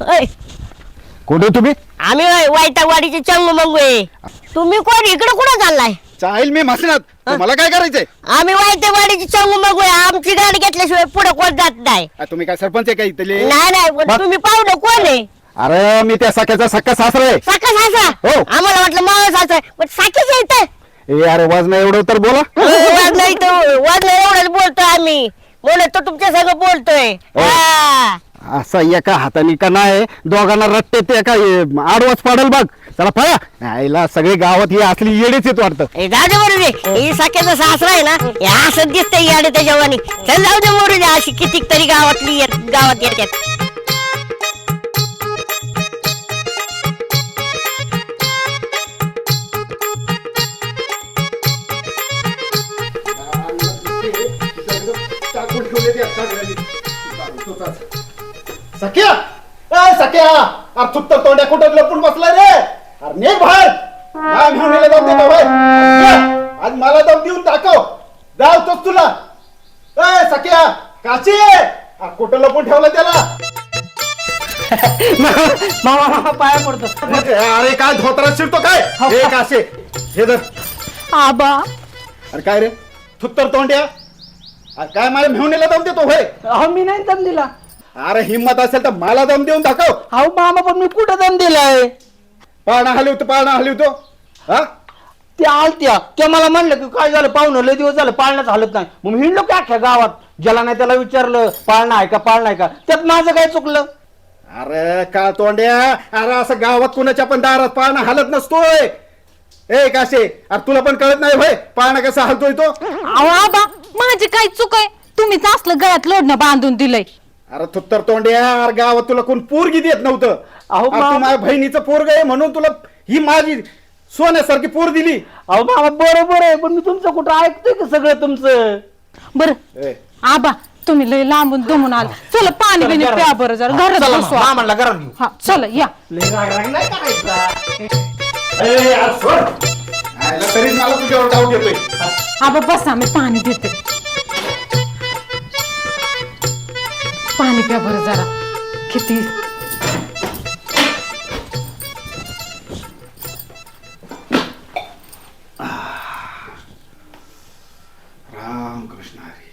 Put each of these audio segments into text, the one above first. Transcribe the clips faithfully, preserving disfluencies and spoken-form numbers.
ओय, कुठे तुम्ही? आम्ही वाईटावाडीचे चंगू मंगू आहे. तुम्ही कोण इकडे कुठं चाललाय? चालेल मी मसनात. मला काय करायचंय? आम्ही वाईटावाडीचे चंगू मंगू आहे. आमची गाडी घेतल्याशिवाय पुढे कोण जात नाही. आ, तुम्ही काय सरपंच आहे का इथले? नाही नाही पण तुम्ही पाहुणं कोण आहे? अरे मी त्या सख्याचा सख्या सासरा आहे. साखा सासा हो. आम्हाला वाटलं मावळ सासा आहे. पण साखीच येत ए अरे वाजना एवढं तर बोला. नाही तर वाजलं एवढंच बोलतोय आम्ही. म्हणून तो तुमच्या संग बोलतोय. हो. हा. असा एका हाताने का नाही दोघांना रट्टे ते एका आडवाच पाडल बघ. चला पळा. आईला सगळे गावात ही असली येडेच येत वाटतं. ए, जाऊ दे मोरू दे. ही साख्याचा सासरा आहे ना हे असं दिसतंय याडे त्याच्या वाणी. चल जाऊ दे मोरू दे. अशी कितीक तरी गावातली येत- गावात येतात. सख्या ए सख्या अरे थुत्तर तोंड्या कुठं लपून बसलाय रे? अरे नेक बाहेर. काय घेऊन येले दम देतो भाई. आज मला दम देऊन दाखव. जाऊ तोच तुला. ए सख्या काची अरे कुठं लपून ठेवलं त्याला? मामा मामा पाया पडतो. अरे काय धोत्रात शिरतो काय? हे काशे हे धर. आबा अरे काय रे थुत्तर तोंड्या अरे काय मला घेऊन येले दम देतो होय? अहो मी नाही दम दिला. अरे हिम्मत असेल तर मला दम देऊन दाखव. अहो मामा पण मी कुठं दम दिलाय? पाळणा हलवतो पाळणा हलवतो. हा ते आलत्या त्या मला म्हणलं की काय झालं पाहुणं लय दिवस झालं पाळण्याच हालत नाही. मग मी हिंडलो की अख्ख्या गावात. ज्याला नाही त्याला विचारलं पाळणा आहे का पाळणा आहे का. त्यात माझं काय चुकलं? अरे का तोंड्या अरे असं गावात कुणाच्या पण दारात पाळणा हलत नसतोय. ए काशे अरे तुला पण कळत नाही भाई पाळणा कसा हलतोय तो? अहो आबा माझी काय चूक आहे? तुम्हीच असलं गळ्यात लोडणं बांधून दिलंय. अरे थुत्तर तोंड्या अरे गावात तुला कोण पोरगी देत नव्हतं. अहो, अरे मा- तू माझ्या बहिणीचं पोरग आहे म्हणून तुला ही माझी सोन्यासारखी पोर दिली. अहो मामा बरोबर आहे पण मी तुमचं कुठं ऐकतोय का सगळं तुमचं? बर ए, आबा तुम्ही लय लांबून दमून आला. चला पाणी बिणी प्या बरं जरा घरात बसू आपण. मामाला घरात घेऊ. हा चला या. लय राग राग नाही करायचा. ए, यार, सोड. आयला तरीच मला तुझ्यावर डाऊट येतोय. आबा बसा मी पाणी देते. पाणी प्या बरं जरा. किती राम कृष्ण हरी.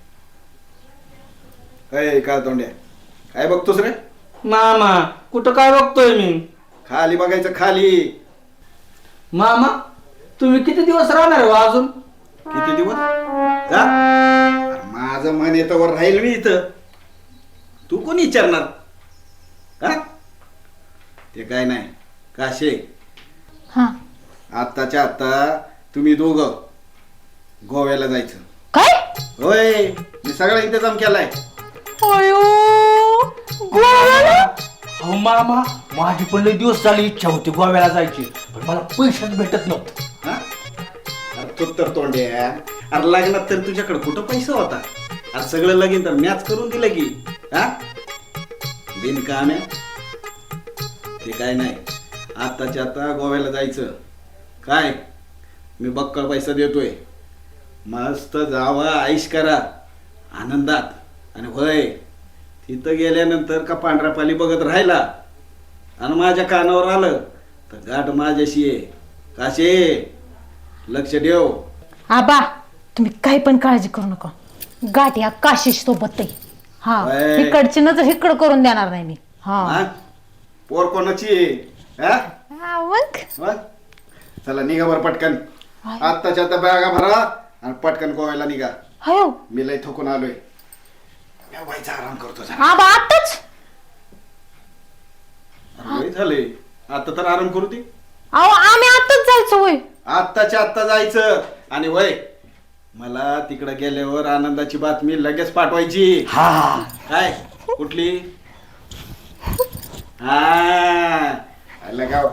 काय काय तोंड्या काय बघतोस रे? मामा कुठं काय बघतोय मी? खाली बघायचं खाली. मामा तुम्ही किती दिवस राहणार हो अजून? किती दिवस जा? अरे माझं मन येतं वर राहील मी इथं. तू कोण विचारणार? हा ते काय नाही काशे हा आत्ताच्या आत्ता तुम्ही दोघं गोव्याला जायचं. काय? होय मी सगळा इंतजाम केलाय. अयो गोव्याला? अहो मामा माझी पण लय दिवस झाली इच्छा होती गोव्याला जायची पण मला पैसेच भेटत नव्हते. हा? अरे तू तर तोंड्या अरे लग्नात तर तुझ्याकडे कुठं पैसा होता? अरे सगळं लगीन तर मॅच करून दिलं की. हा बिनकाम्या ते काय नाही. आत्ताच्या आता गोव्याला जायचं. काय मी बक्कळ पैसा देतोय. मस्त जावा आईश करा आनंदात. आणि होय तिथं गेल्यानंतर का पांढऱ्या पाली बघत राहिला आणि माझ्या कानावर आलं तर गाठ माझ्याशी आहे. काशे लक्ष ठेव. आबा तुम्ही काही पण काळजी करू नका. गाठ या काशीश सोबत आहे. हा होय. इकडची नजर इकडं करून देणार नाही मी. हा हा? पोर कोणाची आहे? हा? हा, मग वा? चला निघा बरं पटकन. आत्ताच्या आता बॅगा भरा आणि पटकन गोव्याला निघा. हयो मी लय थकून आलोय. मी व्हायचा आराम करतो जरा. आबा आताच? अरे लय झाले आता तर आराम करू दे. अहो आम्ही आताच जायचो होय. आत्ताच्या आत्ता जायचं. आणि वय मला तिकडे गेल्यावर आनंदाची बातमी लगेच पाठवायची. हा काय कुठली? हा आलं गाव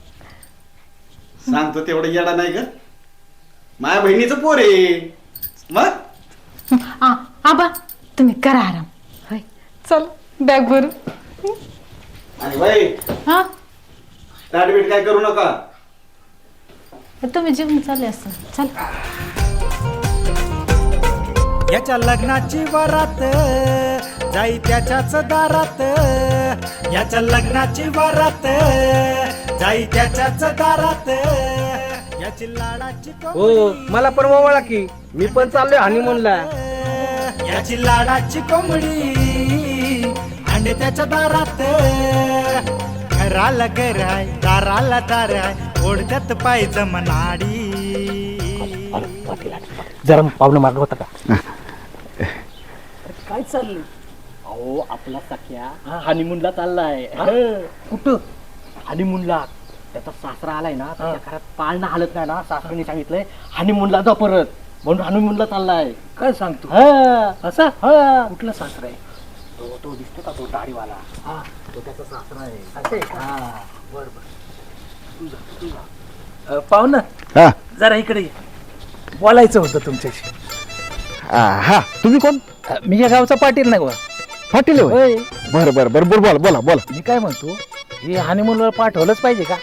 सांगतो तेवढं येडा नाही ग. माझ्या बहिणीचं पोर आहे. मग आ, आबा तुम्ही करा आराम. होय चल बॅग भरू. आणि वय हा ताटबीट काय करू नका. तुम्ही जेवण चालले असं चल. याच्या लग्नाची वरात जाई त्याच्याच दारात, याच्या लग्नाची वरात जाई त्याच्याच दारात, याची लाडाची हो मला पण ओवाळा की मी पण चाललोय हनीमूनला. याची लाडाची कोंबडी अंडे त्याच्या दारात, घराला घर आहे दाराला दार आहे, ओढत्यात पाहिजे मनाडी. जरा पावलं मार्ग होता का? काय चाललंय? अहो आपला सख्या हनीमूनला चाललाय. कुठं हनीमूनला? त्याचा सासरा आलाय ना, त्याच्या घरात पाळणा हालत नाही ना, सासऱ्याने सांगितलंय हनीमूनला जा परत, म्हणून हनीमूनला चाललाय. काय सांगतो? असा कुठला सासरा आहे? तो तो दिसतो का तो दाढीवाला? हा तो त्याचा सासरा आहे. असे हा बर बर तुझा तुझा पाहुणं हा जरा इकडे ये. बोलायचं होतं तुमच्याशी. हा तुम्ही कोण? मी या गावचा पाटील नाही बा. पाटील होय? बरं बरं बरं बरं बोला बोला बोला. मी काय म्हणतो, हे हनीमूनला पाठवलंच पाहिजे का?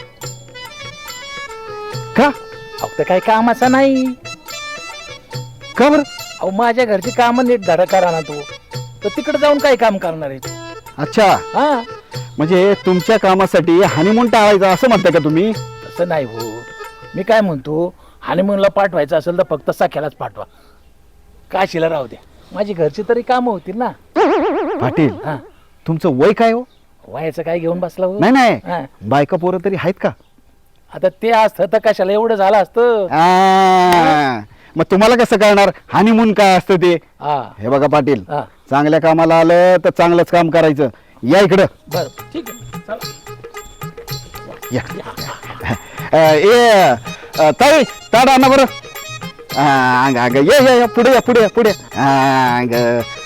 का? फक्त काही कामाचा नाही. का बरं? अहो माझ्या घरची कामं नीट धडा करा ना तू, तर तिकडे जाऊन काय काम करणार आहे? अच्छा हा म्हणजे तुमच्या कामासाठी हनीमून टाळायचा असं म्हणताय का तुम्ही? तसं नाही हो. मी काय म्हणतो, हनीमूनला पाठवायचं असेल तर फक्त सख्यालाच पाठवा, काशीला राहू द्या. माझी घरची तरी कामं होतील ना. पाटील हा तुमचं वय काय हो? वयाचं काय घेऊन बसला हो? नाही नाही हा. बायका पोरं तरी आहेत का? आता ते असतं तर कशाला एवढं झालं असतं. आ, मग तुम्हाला कसं कळणार हनीमून काय असतं ते? हा हे बघा पाटील, हा चांगल्या कामाला आलं तर चांगलंच काम करायचं. या इकडं बर ठीक आहे चला. या. अ, ए अ, ताई ताड आणा बरं. आ, अंग अंग ये ये ये, पुढे या पुढे या पुढे या. आ, अंग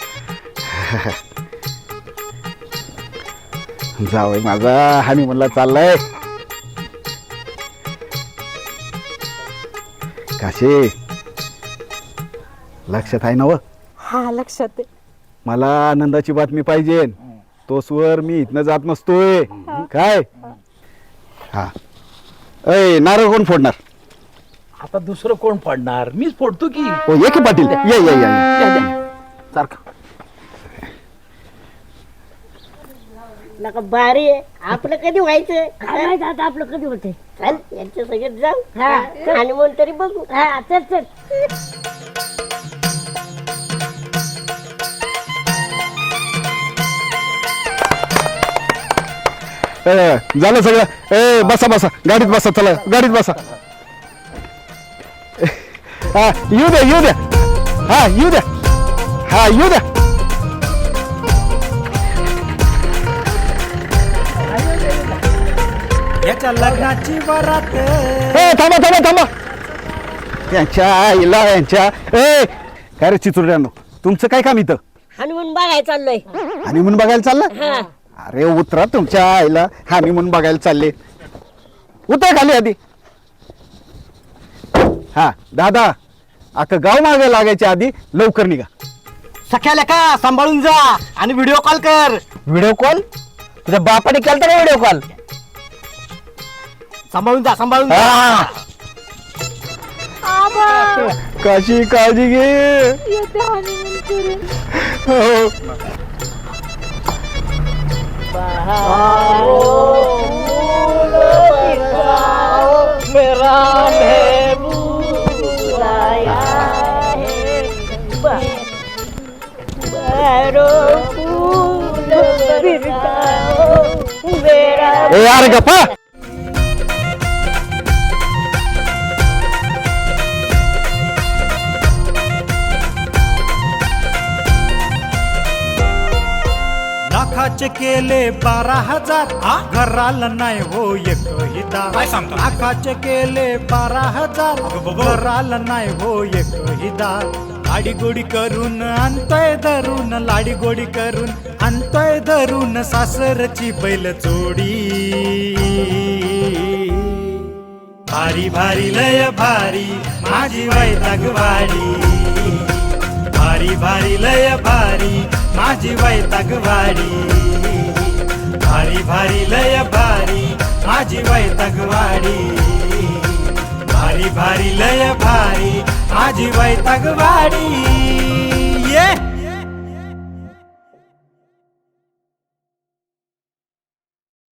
जावई माझा हनीमूनला चाललाय. काशी लक्षात आहे ना व? हा लक्षात आहे. मला आनंदाची बातमी पाहिजे. तो स्वर मी इथनं जात नसतोय काय. हा अय नारळ कोण फोडणार? आता दुसरं कोण फोडणार? मीच फोडतो की. हो ये की पाटील ये ये ये, ये. सारखा नका बारी आहे. आपलं कधी व्हायचं काय माहित आता आपलं कधी होते. चल यांच्या सगळ्यात जाऊ हनीमून तरी बघू. हा चल चल. ए, झालं सगळं. ए बसा बसा गाडीत बसा, चला गाडीत बसा. हा येऊ द्या येऊ द्या. हा येऊ द्या. हा येऊ द्या. याच्या लग्नाची वरात ए थांबा थांबा थांबा. यांच्या आईला यांच्या ए काय रे चिचुरड्यांनो, तुमचं काय काम इथं? हनीमून बघायला चाललोय. हनीमून बघायला चाललं? हा अरे उतरा, तुमच्या आईला हनीमून बघायला चालले. उतर खाली आधी. हा दादा अख्खं गाव मागे लागायच्या आधी लवकर निघा. सख्याला का सांभाळून जा आणि व्हिडिओ कॉल कर. Video call? तुझ्या बापाने केलता का व्हिडिओ कॉल? सांभाळून जा सांभाळून जा. काशी काळजी घे. हो. मेरा ए यार गप्पा. लाखाचे केले बारा हजार, घराला नाही हो एकही दार. लाखाचे केले बारा हजार, घराला नाही हो एकही दार. लाडी गोडी करून आणतोय धरून, लाडी गोडी करून आणतोय धरून, सासरची बैल जोडी. भारी भारी लय भारी माझी वैतागवाडी, भारी भारी लय भारी माझी वैतागवाडी, भारी भारी लय भारी माझी वैतागवाडी, भारी भारी लय भारी माझी वैतागवाडी.